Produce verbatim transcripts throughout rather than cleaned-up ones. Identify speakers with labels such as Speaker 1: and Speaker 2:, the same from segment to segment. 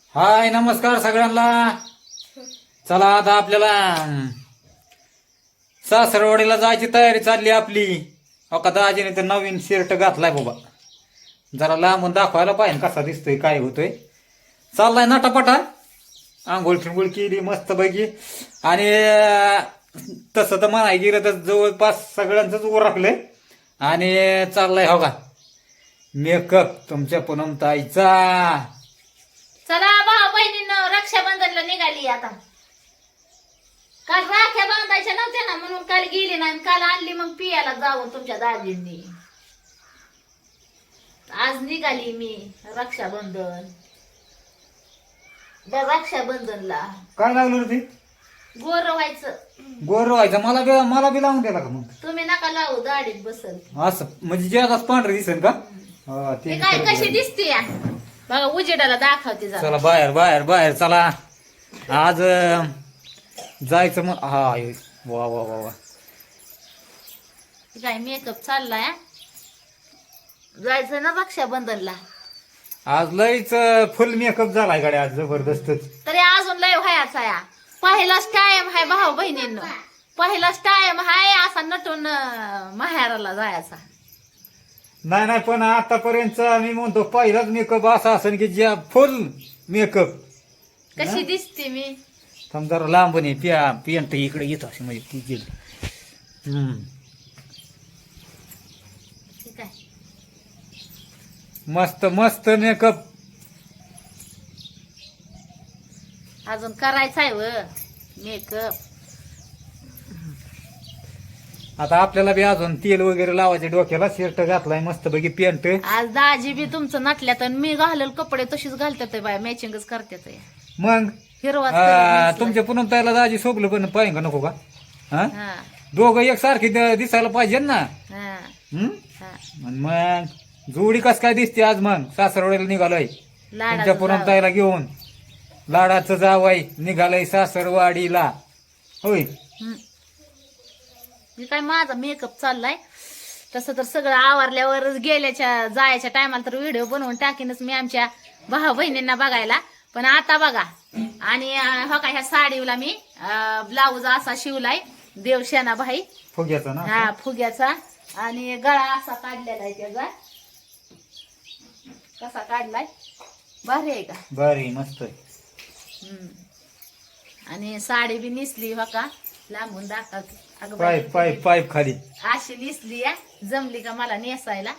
Speaker 1: हाय नमस्कार सगळ्यांना. चला आता आपल्याला सासरवाडीला जायची तयारी चालली आपली. अका दाजीने तर नवीन शर्ट घातलाय बाबा, जरा लांबून दाखवायला पाहिजे कसा दिसतोय काय होतोय. चाललाय नाटापाटा, आंघोळ फिंगोळ केली मस्त पैकी. आणि तसं तर म्हणाय गेलं तर जवळपास सगळ्यांचंच उरकलंय. आणि चाललाय हो का मेकअप तुमच्या पूनम ताईचा.
Speaker 2: चला भाऊ बहिणींनो, रक्षाबंधनला निघाली आता. काल राख्या बांधायच्या नव्हत्या ना म्हणून काल गेली नाही, काल आणली मग पियाला जाऊन तुमच्या दाजींनी. आज निघाली मी रक्षाबंधन त्या रक्षाबंधनला.
Speaker 1: काय लागलं रे ते?
Speaker 2: गोर व्हायचं.
Speaker 1: गोर व्हायचं. मला बी मला बी लावून द्याला का मग?
Speaker 2: तुम्ही नका लावू, दाढीत बसल.
Speaker 1: असं म्हणजे जे आता पांढरे दिसेल का? हा, ते
Speaker 2: ते काय
Speaker 1: बरोबर
Speaker 2: कशी
Speaker 1: आहे.
Speaker 2: दिसते या बघा, उजेडाला दाखवते जरा.
Speaker 1: चला बाहेर बाहेर बाहेर चला. आज अं, जायचं मग. हा हे, वा वा वा वा.
Speaker 2: काय मेकअप चाललाय. जायचं ना रक्षाबंधनला.
Speaker 1: आज लईच फुल मेकअप झालाय गाड्या आज जबरदस्तच.
Speaker 2: तरी अजून लय व्हायचा या. पहिलाच टाइम हाय भाऊ बहिणींनो, पहिलाच टाइम हाय असा नटून अं, माहेराला जायचा.
Speaker 1: नाही नाही पण आतापर्यंत मी म्हणतो पहिलाच मेकअप असा असेल की ज्या फुल मेकअप.
Speaker 2: कशी दिसते मी.
Speaker 1: समजा लांबून ये पिया पियंट इकडे येत असे म्हणजे ती गेली. हम्म
Speaker 2: ठीक आहे.
Speaker 1: मस्त मस्त मेकअप.
Speaker 2: अजून करायचा आहे व मेकअप.
Speaker 1: आता आपल्याला बी अजून तेल वगैरे लावायचे डोक्याला. शर्ट घातलाय मस्त पैकी पॅन्ट.
Speaker 2: आज दाजी बी तुमचं नटल्यात आणि मी घालेल कपडे तशीच घालतात बाय, मॅचिंगच करतात.
Speaker 1: मग
Speaker 2: हिरवा
Speaker 1: आ, तुमच्या पुन्हा त्याला दाजी सोबलं पण पाहिजे का नको का? हा
Speaker 2: हा
Speaker 1: दोघं एक सारखी द- दिसायला पाहिजे ना.
Speaker 2: हा
Speaker 1: हम्म
Speaker 2: हा.
Speaker 1: आणि मग जोडी कस काय दिसते आज मग सासरवाडीला निघालोय तुमच्या
Speaker 2: लाडाचं
Speaker 1: पुन्हा
Speaker 2: जावं.
Speaker 1: ताईला घेऊन. लाडाचं जावाय निघालय सासरवाडीला. होय
Speaker 2: हम्म. मी काय माझा मेकअप चाललाय. तसं तर सगळं आवरल्यावर गेल्याच्या जायच्या टायमाला तर व्हिडिओ बनवून टाकीनच मी आमच्या भाऊ बहिणींना बघायला. पण आता बघा. आणि अं, हो का ह्या साडीला मी ब्लाऊज असा शिवलाय देवशेना भाई.
Speaker 1: फुग्याचा ना.
Speaker 2: हा फुग्याचा. आणि गळा असा काढलेला आहे त्याचा. कसा काढलाय भारी आहे का?
Speaker 1: बरी मस्त आहे.
Speaker 2: हम्म. आणि साडी बी निसली हो का, लांबून दाखवते. अगं बाई,
Speaker 1: पाईप पाईप पाईप खाली.
Speaker 2: अशी निसली या, जमली का मला नेसायला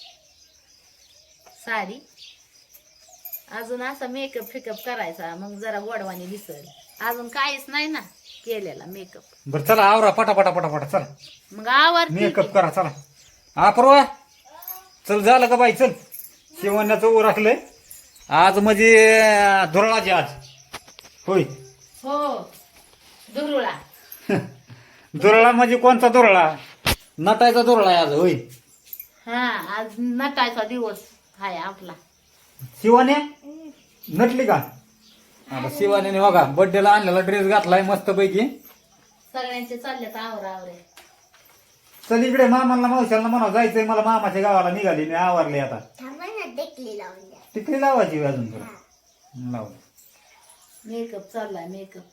Speaker 2: साडी. अजून असा मेकअप फिकअप करायचा मग जरा गोडवानी दिसल. अजून काहीच नाही ना केलेला मेकअप.
Speaker 1: बर चला आवरा पटा पटा पटा पटा चला
Speaker 2: मग आवडते
Speaker 1: मेकअप करा चला. आपरवा चल झालं का बाई चल. शिवण्याचं ऊ राखलंय आज म्हणजे धुरळाची आज. होय
Speaker 2: हो दुरुळा.
Speaker 1: दुरळा म्हणजे कोणता दुरळा? नटायचा दुरळा आहे आज. होय
Speaker 2: हा आज नटायचा दिवस हाय आपला.
Speaker 1: शिवाने नटली का? आता शिवाने बघा बर्थडेला आणलेला ड्रेस घातलाय मस्त पैकी.
Speaker 2: सगळ्यांचे चाललेत आवर आवरे.
Speaker 1: चल इकडे मामाला मावशाला म्हणा जायचंय मला मामाच्या गावाला निघाली मी आवरले आता. टिकली लावायची अजून थोडं. लाव.
Speaker 2: मेकअप चाललाय मेकअप.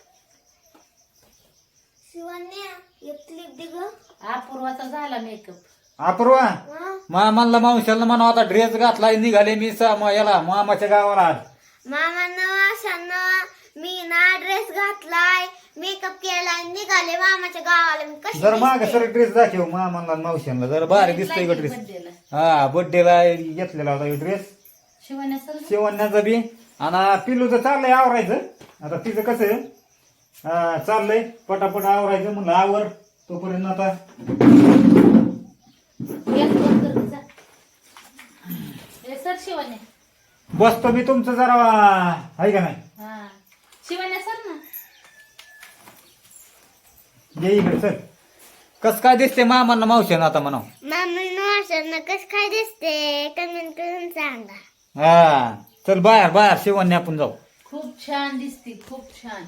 Speaker 2: अपूर्वाचा झाला मेकअप.
Speaker 1: अपूर्वा मामाला मावशाला म्हणा आता ड्रेस घातलाय निघाले मी सा- म- याला मामाच्या गावाला आज.
Speaker 3: मामानं वाशानं मी ना ड्रेस घातलाय, मेकअप केलाय, निघाले मामाच्या गावाला. मी कशी
Speaker 1: जर माग
Speaker 3: दिसते?
Speaker 1: सर ड्रेस दाखव मामाला मावशाला जरा भारी दिसतोय का ड्रेस.
Speaker 2: बर्थडेला
Speaker 1: हा बर्थडेला घेतलेला होता ड्रेस
Speaker 2: शिवण्या सर.
Speaker 1: शिवण्याचा बी. आणि पिलूचं चाललंय आवरायचं. आता तिचं कसं आहे, अं, चाललंय पटापट आवरायचं म्हणलं आवर तोपर्यंत आता.
Speaker 2: सर शिवण्या.
Speaker 1: बसतो मी तुमचं जरा आहे का नाही.
Speaker 2: हा शिवण्या सर ना.
Speaker 1: ये इकडे चल. कस काय दिसते मामांना मावशानं आता म्हणा.
Speaker 3: मामानं वाशानं कसं काय दिसते कमेंट करून सांगा.
Speaker 1: हा चल बाहेर बाहेर शिवण्या आपण जाऊ.
Speaker 2: खूप छान दिसती, खूप छान.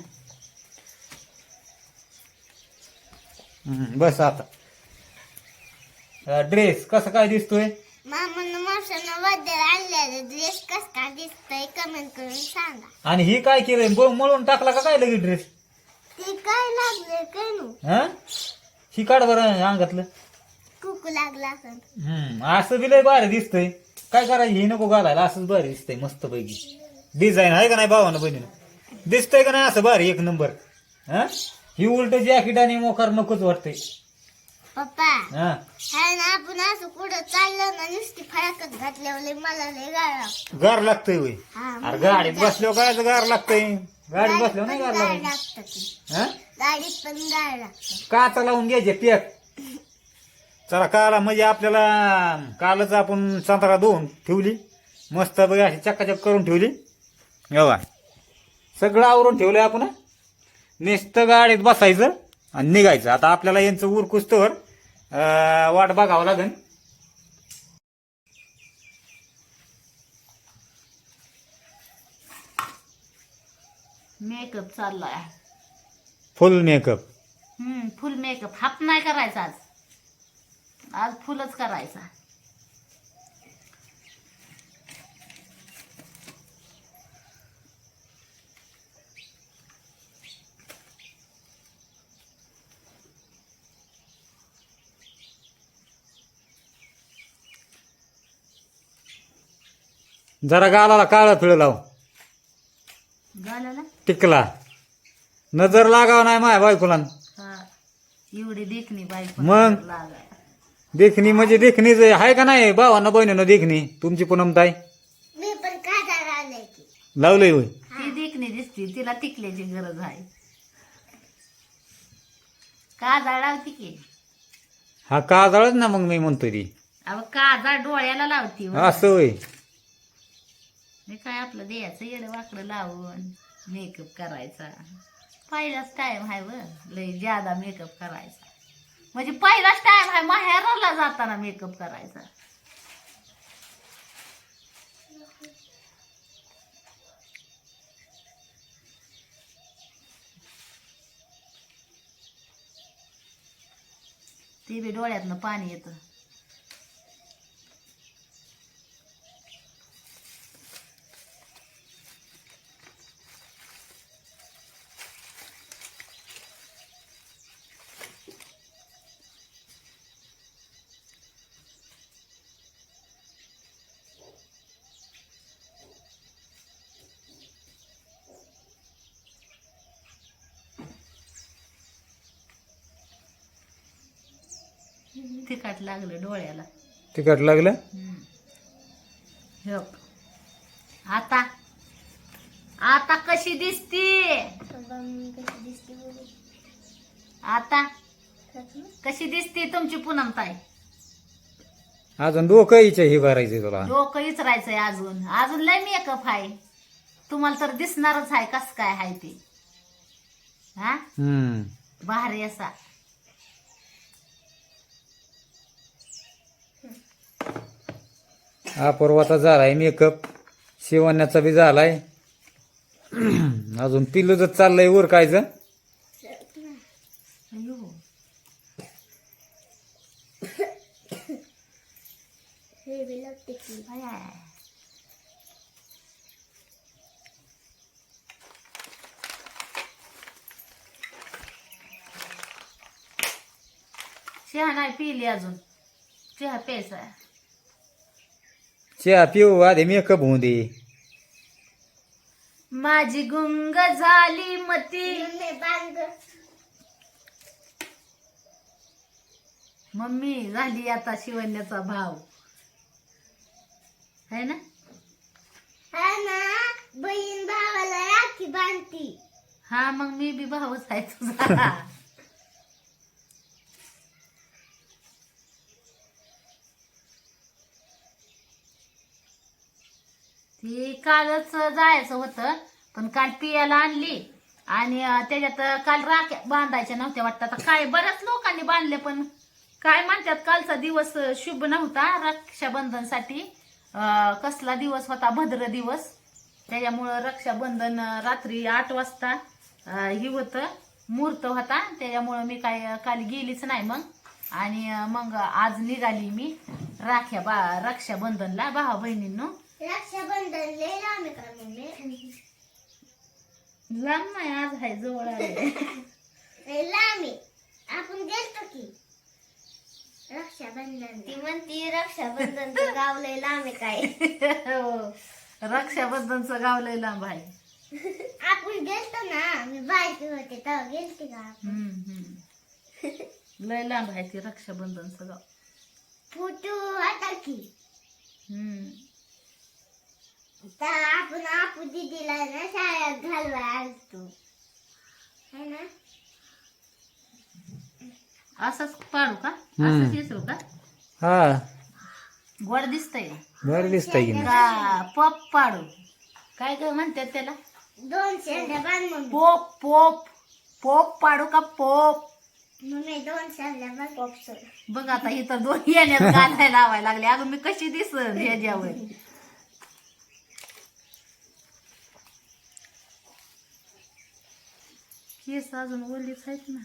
Speaker 1: हम्म, बस आता ड्रेस कसं काय दिसतोय.
Speaker 3: मामानं मावशानं बद्दल आणलेलं ड्रेस कस का दिसतंय कमेंट करून सांगा.
Speaker 1: आणि ही काय केलंय ब- मळून टाकला का काय लगेच ड्रेस?
Speaker 3: ते काय लागले काय नु
Speaker 1: हा ही काढ बरं अंगातलं.
Speaker 3: कुकू लागला असं.
Speaker 1: हम्म असं बी लय भारी दिसतंय. काय करायचं हे नको घालायला, असंच भारी दिसतंय मस्त पैकी. डिझाईन आहे का नाही भावानं बहिणीनं? दिसतंय का नाही असं भारी एक नंबर? हा ही उलट जॅकेट आणि मोकार नकोच वाटतंय.
Speaker 3: पप्पा
Speaker 1: हा
Speaker 3: हाय ना आपण असं कुठं चाललं ना नुसती फळाकत घातल्यावर लय मला लय गाळा.
Speaker 1: गार लागतंय होय.
Speaker 3: हा,
Speaker 1: अरे गाडीत बसल्यावर काय गार लागतंय? गाडीत बसल्यावर नाही गार
Speaker 3: गाळ
Speaker 1: लागत.
Speaker 3: लागतं ते.
Speaker 1: हा
Speaker 3: गाडीत पण गाळ लागतं.
Speaker 1: काचा लावून घ्यायचे पॅक. चला काला म्हणजे आपल्याला कालच आपण संत्रा धुवून ठेवली मस्त बघा अशी चक्काचक करून ठेवली. एवढा सगळं आवरून ठेवलंय आपण. नुसतं गाडीत बसायचं आणि निघायचं. आता आपल्याला यांचं उरकुस्तवर वाट बघावं लागेल.
Speaker 2: मेकअप चाललाय.
Speaker 1: Full makeup.
Speaker 2: Hmm full makeup. Half नाही करायचा आज. आज फुलच करायचा.
Speaker 1: जरा गालाला काळं फिळ लाव.
Speaker 2: झालं ना?
Speaker 1: टिकला नजर लागाव नाही माय बायकोला.
Speaker 2: हा एवढी देखणी बायको
Speaker 1: मग?
Speaker 2: लागाय.
Speaker 1: देखणी म्हणजे देखणीच आहे का नाही भावांना बहिणीनं देखणी तुमची पूनमताई
Speaker 3: मी पण काढा लावलंय की.
Speaker 1: लावलंय होय.
Speaker 2: ती देखणी दिसती. तिला टिकल्याची गरज आहे. काजळ लावती की.
Speaker 1: हा काजळच ना मग मी म्हणतोय ती.
Speaker 2: अहो काजळ डोळ्याला लावती हो.
Speaker 1: असं होय.
Speaker 2: मी काय आपलं द्यायचं येडं वाकडं लावून मेकअप करायचा. पहिलाच टाइम आहे व लय ज्यादा मेकअप करायचा. म्हणजे पहिलाच टाइम आहे माहेराला जाताना मेकअप करायचा. ते बी डोळ्यातनं पाणी येतं. तिखट लागलं डोळ्याला.
Speaker 1: तिखट लागलं.
Speaker 2: हो. आता आता कशी दिसती?
Speaker 3: बाबा मी कशी दिसते बघू.
Speaker 2: आता
Speaker 3: खरंच ना?
Speaker 2: कशी दिसती तुमची पूनमताई?
Speaker 1: अजून डोकं हिच्या हे भरायचंय तुला.
Speaker 2: डोकं इचरायचंय अजून. अजून लय मेकअप आहे. तुम्हाला तर दिसणारच आहे कस काय आहे ते. हा
Speaker 1: हम्म
Speaker 2: भारी असा.
Speaker 1: हा पर्वाचा झालाय मेकअप. शिवण्याचा बी झालाय. अजून पिल्लूच चाललंय उरकायचं.
Speaker 2: अयो
Speaker 3: हे बी लागते की.
Speaker 2: बाय. चहा नाही पिली अजून. चहा प्यायचा.
Speaker 1: चहा पिऊ आधी मेकअप होऊ दे.
Speaker 2: माझी गुंग झाली मती.
Speaker 3: मम्मी बांध.
Speaker 2: मम्मी झाली आता शिवण्याचा भाव है ना.
Speaker 3: हा ना बहीण भावाला राखी बांधती.
Speaker 2: हा मग मी बी भावच आहे तुझा. ती कालच जायचं होतं पण काल पियाला आणली आणि अं, त्याच्यात काल राख्या बांधायच्या नव्हत्या वाटतं. आता काय बऱ्याच लोकांनी बांधले पण काय म्हणतात कालचा दिवस शुभ नव्हता रक्षाबंधनसाठी. अं, कसला दिवस होता भद्र दिवस. त्याच्यामुळं रक्षाबंधन अं, रात्री आठ वाजता अं, हे होतं मुहूर्त होता. त्याच्यामुळं मी काय काल गेलीच नाही. मग आणि अं, मग आज निघाली मी राख्या बा रक्षाबंधनला भावा बहिणींनो.
Speaker 3: रक्षाबंधन लय लांब आहे का मम्मी?
Speaker 2: लांब नाही, आज आहे जवळ आले.
Speaker 3: लय लांब आहे. आपण गेलतो की रक्षाबंधन. ती म्हणती रक्षाबंधनचं गाव लय लांब आहे काय.
Speaker 2: हो, रक्षाबंधनचं गाव लय लांब आहे.
Speaker 3: आपण गेलतो ना, मी बायकी होते तेव्हा गेलते का आपण.
Speaker 2: हम्म, हम्म. लय लांब आहे ते रक्षाबंधनचं गाव.
Speaker 3: फोटो आता की
Speaker 2: हम्म.
Speaker 3: तर आपण आपू दिदीला ना शाळेत घालवाय आलतो है ना.
Speaker 2: असंच पाडू का?
Speaker 1: हम्म.
Speaker 2: असंच विसरू का?
Speaker 1: हा
Speaker 2: गोड दिसतंय
Speaker 1: बरं दिसतंय की नाही.
Speaker 2: का पप पाडू? काय ग म्हणतात त्याला?
Speaker 3: दोन शेंड्या बांध मम्मी.
Speaker 2: पोप पोप पोप पाडू का पोप?
Speaker 3: मम्मी दोन शेंड्या बांध पॉपसर.
Speaker 2: बघ आता इथं दोन येण्यात घालायला लावायला लागले. अगं मी कशी दिसन ह्याच्यावर? केस अजून ओलीच आहेत ना.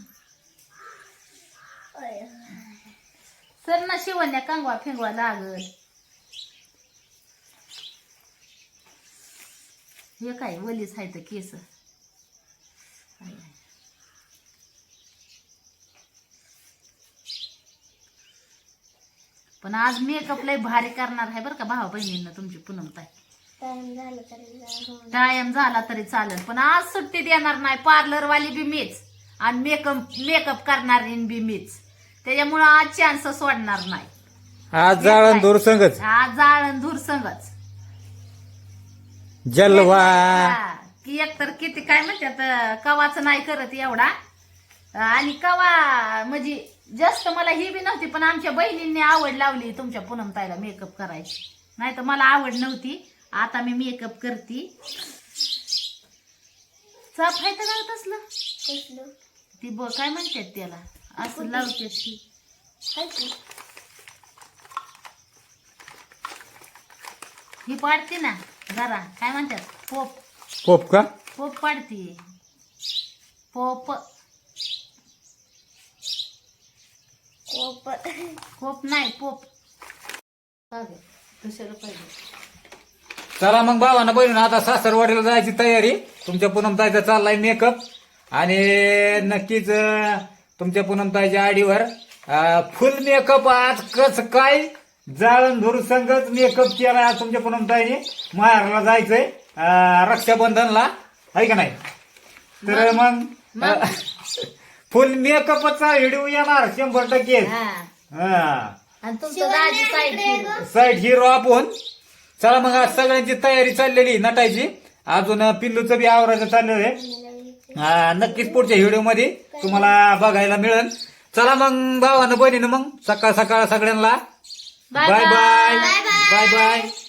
Speaker 2: सर ना शिवण्या कांगवा फेंगवा लागल. हे काय ओलीच आहेत केस. पण आज मेकअप लय भारी करणार आहे बरं का भावा बहिणींना तुमची पूनम ताई.
Speaker 3: टाइम झालं तरी जा.
Speaker 2: टाइम झाला तरी चालेल, पण आज सुट्टी देणार नाही. पार्लर वाली बी मीच आणि मेकअप मेकअप करणारी बी मीच. त्याच्यामुळं आज चान्स सोडणार नाही.
Speaker 1: आज जाळण दूर संगच
Speaker 2: आज जाळण धूर संगच.
Speaker 1: जलवा.
Speaker 2: हा, की एकतर किती काय म्हणतात कवाच नाही करत एवढा. आणि कवा म्हणजे जास्त मला ही बी नव्हती, पण आमच्या बहिणींनी आवड लावली तुमच्या पूनम ताईला मेकअप करायची. नाही तर मला आवड नव्हती. आता मी मेकअप करते. चाप आहे तर लावत असलं
Speaker 3: कसलं
Speaker 2: ती ब काय म्हणतात त्याला असं लावते ती.
Speaker 3: हाय की.
Speaker 2: ही पाडते ना जरा काय म्हणतात पोप
Speaker 1: पोप का?
Speaker 2: पोप पाडते. पोप
Speaker 3: कोप.
Speaker 2: पोप नाही पोप. दुसरं पाहिजे.
Speaker 1: चला मग भावानं बहिणीनं आता सासरवाडीला जायची तयारी. तुमच्या पूनमताईचा चाललाय मेकअप आणि नक्कीच अं, तुमच्या पूनमताईच्या आडीवर फुल मेकअप आज कस काय जाळण धूर संगच मेकअप केला आज तुमच्या पूनमताईने. माहेरला जायचंय अं, रक्षाबंधनला आहे का नाही. तर मग फुल मेकअपचा व्हिडिओ येणार शंभर टक्के.
Speaker 2: हा
Speaker 1: हा
Speaker 2: आणि तुमचं दाजी साईड
Speaker 1: साईड हिरो आपण. चला मग आज सगळ्यांची तयारी चाललेली नटायची. अजून पिल्लूचं बी आवरायचं चाललेलं आहे. हा, नक्कीच पुढच्या व्हिडिओ मध्ये तुम्हाला बघायला मिळेल. चला मग भावानं बहिणीनं मग सकाळ सकाळ सगळ्यांना
Speaker 2: bye
Speaker 1: bye bye
Speaker 2: bye.
Speaker 1: Bye bye.